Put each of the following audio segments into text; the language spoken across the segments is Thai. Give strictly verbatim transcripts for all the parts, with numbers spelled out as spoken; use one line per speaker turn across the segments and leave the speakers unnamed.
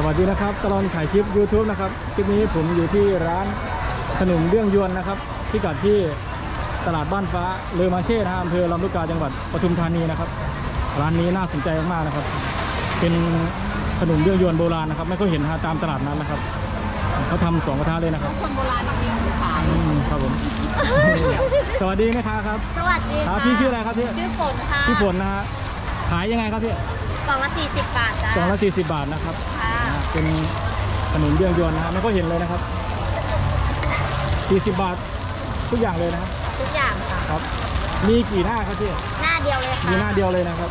วัสดีนะครับตลอดถ่ายคลิป ยูทูบ นะครับคลิปนี้ผมอยู่ที่ร้านขนมเรื่องยวนนะครับที่กัดที่ตลาดบ้านฟ้าเลอมาเช่นะอำเภอลำลูกกาจังหวัดปทุมธานีนะครับร้านนี้น่าสนใจมากๆนะครับเป็นขนมเรื่องยวนโบราณนะครับไม่ค่อยเห็นนะตามตลาดนั้นนะครับเขาทำสองกระทะเลยนะครับ
คนโบราณจริงๆขาย
ครับผมสวัสดีนะครับครับ
สวัสดีค่ะ
พี่ชื่ออะไรครับพี่
ชื่อฝนค่ะ
พี่ฝนนะฮะขายยังไงครับพี่
กล่องละสี่สิบบาทจ้ะ
กล่องละสี่สิบบาทนะครับเป็นขนมเบื้องยวนนะฮะไม่ค่อยเห็นเลยนะครับสี่สิบบาททุกอย่างเลยนะครับ
ทุกอย่างค่ะ
ครับมีกี่หน้าครับพี่
หน้าเดียวเลยค่ะ
มีหน้าเดียวเลยนะครับ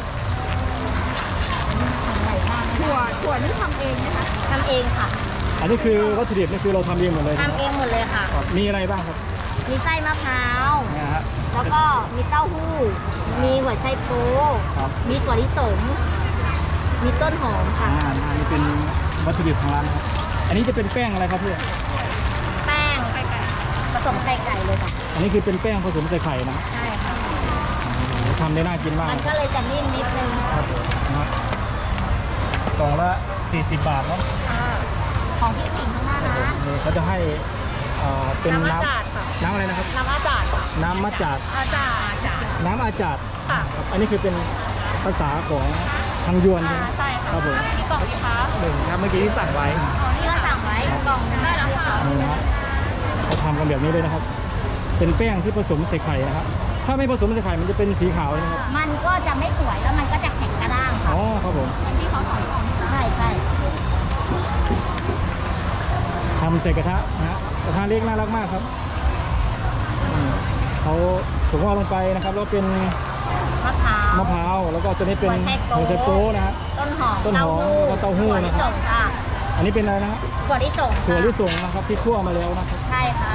ถั่วถั่วนี่ทำเองนะคะทำเองค่ะ
อันนี้คือวัตถุดิบนี่คือเราทำเองหมดเลย
ทำเองหมดเลยค่ะ
มีอะไรบ้างครับ
มีไส้มะพร้าว
นะฮะ
แล้วก็มีเต้าหู้มีหัวไชโป๊มีถั่วลิสงมีต้นหอมค่ะ
อ่าอันนี้เป็นวัตถุดิบของร้านครับอันนี้จะเป็นแป้งอะไรครับพี่
แป้งไข่ไก่ผสมไข่ไก่เลยค่ะ
อันนี้คือเป็นแป้งผสมใส่ไข่นะ
ใช่ค่ะ
ทำได้น่ากินมาก
มันก็เลยจะนิ่มนิดนึง
ครับกล่องละสี่สิบบาทเนาะ
ของที่สิ่งข้างหน้านะ
เขาจะให้เป็นน้ำน้ำอะไรนะครับ
น้ำอาจาด
น้ำมะจาด
อาจาด
น้ำอาจาด
ค่ะ
อันนี้คือเป็นภาษาของทางยวนใช่ไหม
ใช่
ครับผม
นี่กล่องกี่คะ
หนึ่งครับเมื่อกี้ที่สั่งไว้
อ๋อนี่ก็สั่งไว้กล่องได้แล้วค่ะ
นี่นะเขาทำกันแบบนี้เลยนะครับเป็นแป้งที่ผสมใส่ไข่นะครับถ้าไม่ผสมใส่ไข่มันจะเป็นสีขาวนะครับ
มันก็จะไม่สวยแล้วมันก็จะแข็งกระด้างค่ะ
อ๋อครับผม
ที่เขาสอนใช่ใช่
ทำใส่กระทะนะฮะกระทะเล็กน่ารักมากครับเขาถุงว่าลงไปนะครับแล้วเป็น
มะพร้าว
มะพร้าวแล้วก็ตัวนี้เป็นหัวไชโป๊นะฮะ
ต้นหอม
ต้นหอมแล้วก็เต้าหู้นะครับอันนี้เป็นอะไรนะ
ถั่วลิสง
ถั่วลิสงนะครับที่คั่วมาแล้วนะครับ
ใช่ค่ะ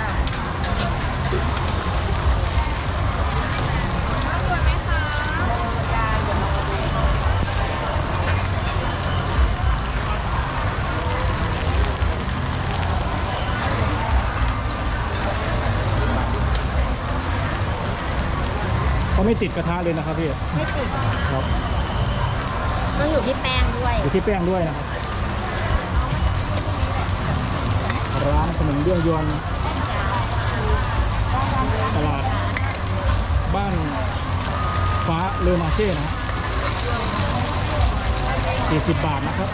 เขาไม่ติดกระทะเลยนะครับพี่
ไม่ติด
ครับ
ต้องอยู่ที่แป้งด้วย
อยู่ที่แป้งด้วยนะครับร้านขนมเบื้องยวนตลาดบ้านฟ้าเลอมาเช่นะสี่สิบบาทนะครับ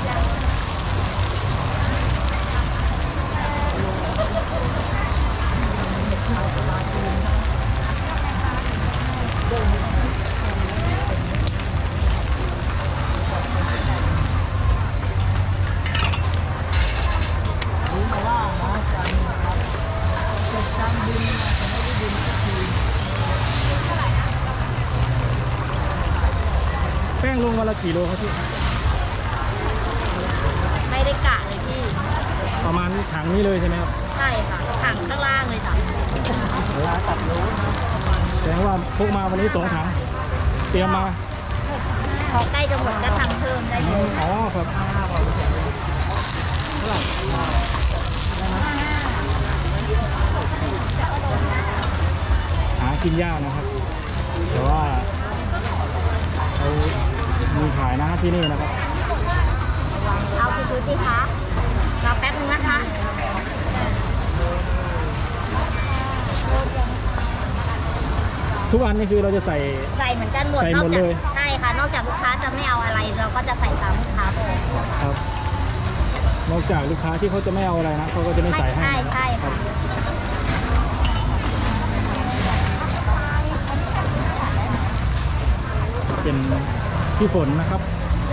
แป้งลงวันละกี่โลครับพี่
ไม่ได้กะเลยพี่
ประมาณถังนี้เลยใช่ไหมครับ
ใช่ค่ะถังข้างล่างเลยจ้ะ
ร้านตัดรู้แสดงว่าพกมาวันนี้สองถังเตรียมมา
พอใกล้จะหมดก็ทำเพิ่มได้เลย
อ๋อครับหากินยากนะครับแต่ว่าเขามีขายนะที่นี่นะครับ
เอาไปดูสิคะรอแป๊บนึงนะคะ
ทุกอันนี่คือเราจะใส่
ใส่เหมือนกันหมด
ใส่หมดเลย
ใช่ค่ะนอกจากลูกค้าจะไม่เอาอะไรเราก็จะใส่ตามลูกค้าไป
ครับนอกจากลูกค้าที่เขาจะไม่เอาอะไรนะเขาก็จะไม่ใส่ให้
ใช่ใช่ค่ะ
เป็นพี่ฝนนะครับ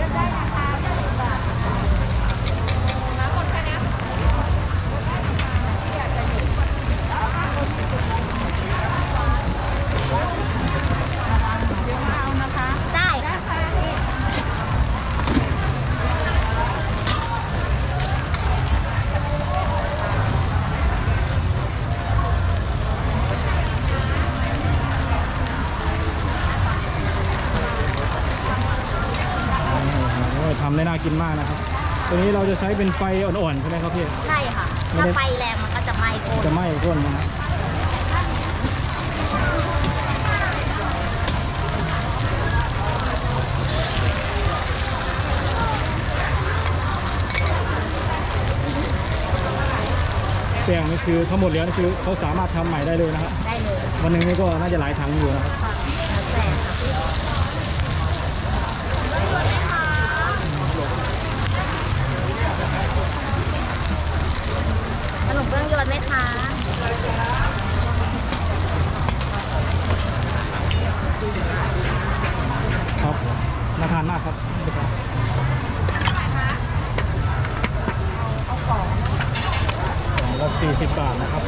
ได้ค่ะ
ทำได้น่ากินมากนะครับตัวนี้เราจะใช้เป็นไฟอ่อนๆใช่ไหมครับพี่
ใช่ค่ะถ้าไฟแรงมันก็จะไหม้ก้น
จะไหม้ก้นนะนี่คือทั้งหมดแล้วนี่คือเขาสามารถทำใหม่ได้เลยนะครับ
ได้เลย
วันหนึ่งนี่ก็น่าจะหลายถังอยู่นะครับ
ค่ะแล้วแต่ขนมเบื้องยวนไหมคะ
ครับน่าทานมากครับกล่องละสี่สิบบาทนะครับ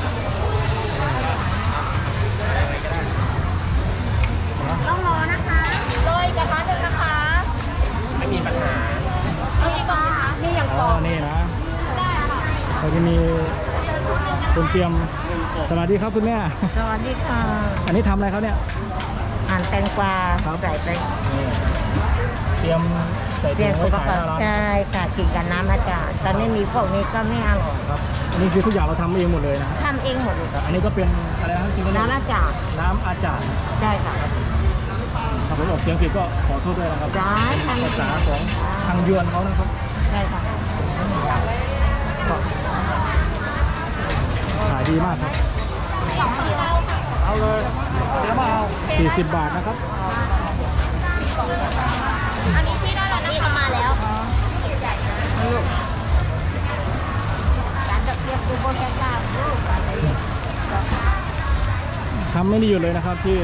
ต้องรอนะคะโรยกระทะหนึ่งนะคะ
ไม่มีปัญหา
นี่ก่อนนะคะนี่อย่าง
อ๋
ก่
อ
อน
นี่นะ
ได้ค่ะ
เราจะมีคนเตรียมสวัสดีครับคุณแม่
สวัสดีค่ะ
อันนี้ทำอะไรครับเนี่ย
หั่นแตงกวา
ครับ
ใส่ไป
นี่เตรียมใส่
เตรี
ถุ
ยม
ง
สุ
ไว้
ข
ขายห
ภาพ
น้าร้าน
ใช่ค่ะกินกับน้ำอาจารย์ตอนนี้มีพวกนี้ก็ไม่อร่อย
ครับ อันนี้คือทุกอย่างเราทำเองหมดเลยนะ
ทำเองหมดเลย
อันนี้ก็เป็นอะไรนะครับที่เขาเรียก
น้ำอาจารย์
น้ำอาจารย์
ได้ค่ะ
ถ้าผมออกเสียงผิดก็ขอโทษด้วยนะครับ
ได้ทำ
ภาษาของทางยวนเขานะครับ
ได้ค่ะ
ขายดีมากครับ
เอาเลยเดี๋ยวมาเอา
สี่สิบบาทนะครับ
อันนี้พี่ได้แล้วนี่ก็มาแล้วการจับเทียบดูบนแก้วกลางดูการอะไรเนี่ย
ทำไม่ได้หยุดเลยนะครับที่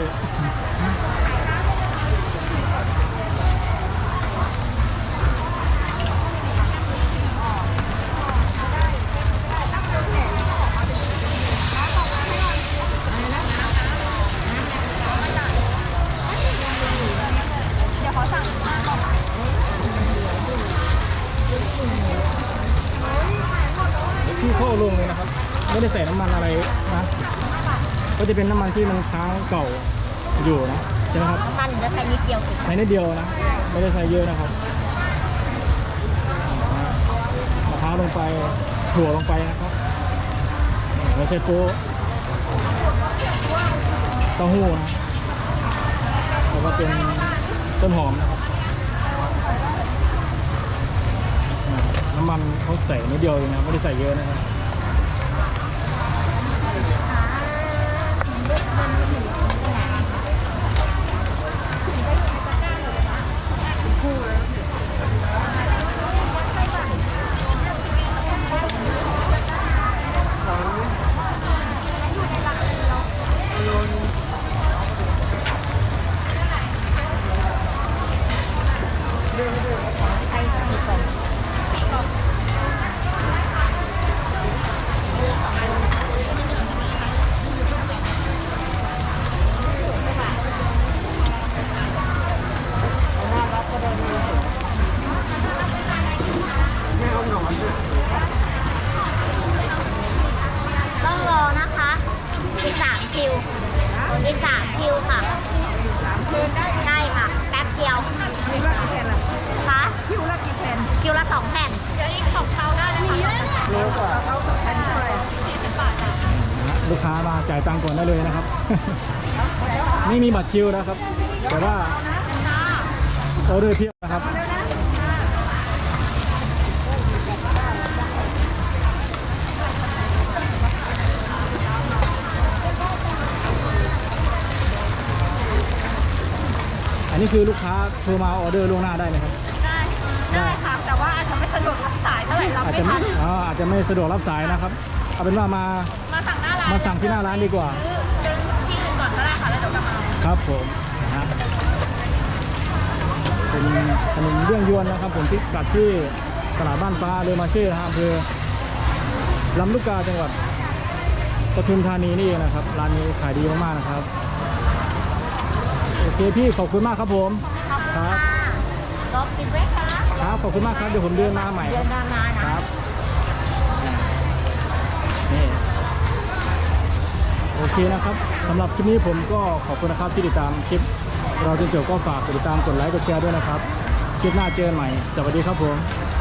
ที่เข้าลงเลยนะครับ ไม่ได้ใส่น้ำมันอะไรนะ ก็จะเป็นน้ำมันที่มันค้างเก่าอยู่นะใช่ไหมครับ
มันจะใช้นิดเดียวเอง
ใช้นิดเดียวนะ ไม่ได้ใช้เยอะนะครับมะพร้าวลงไปถั่วลงไปนะครับไม่ใช่โป๊ะเต้าหู้นะแล้วก็เป็นต้นหอมนะครับอ่าน้ำมันเขาใส่นิดเดียวเองนะไม่ได้ใส่เยอะนะครับ
ใช้มีสองต้องรอนะคะอีกสามคิวอีกสามคิวค่ะใช่ค่ะ แป๊บเดียวคะ
คิวละกี่แผ่น
คิวละสองแผ่นเดี๋ยวอีกของเขาได้นะคะ
เร็วกว่าเขาแผ่นเท่าไหร่
ลูกค้ามาจ่ายตังค์ก่อนได้เลยนะครับ ไม่มีบัตรคิวนะครับ แต่ว่าออเดอร์เพียบนะครับ อันนี้คือลูกค้าโทรมาออเดอร์ล่วงหน้าได้ไหมครับ
ได้ได้ค่ะ แต่ว่าอาจจะไม่สะดวกรับสายเท่าไหร่เรา
อาจ
ไม่
จะ
ทั
ไม่
น
อ๋ออาจจะไม่สะดวกรับสายนะครับ เอาเป็นว่ามา
มาสั่งหน้าร้าน
มาสั่งที่หน้าร้านดีกว่า
ซื้อที่อื่นก่อนก็ได้ค่ะแล้วเดี๋ยวกลับมาเอา
ครับผมนะเป็นขนมเรื่องยวนนะครับ ผมที่กัดที่ตลาดบ้านฟ้าเรือมาเช่นะฮะอำเภอลำลูกกาจังหวัดปทุมธานีนี่เองนะครับร้านนี้ขายดีมากๆนะครับโอเคพี่ขอบคุณมากครับผม
ขอบคุณ
ครั
ค่ะ
บ
รอกินไหมคะ
ครับขอบคุณมากครับเดี๋ยวผมเดินมาใหม่
เดื
ค
อ
รั
น
บ
หน้ามานะครับ
นี่โอเคนะครับสำหรับคลิปนี้ผมก็ขอบคุณนะครับที่ติดตามคลิปเราจนจบก็ฝากกดติดตามกดไลค์กดแชร์ด้วยนะครับคลิปหน้าเจอกันใหม่สวัสดีครับผม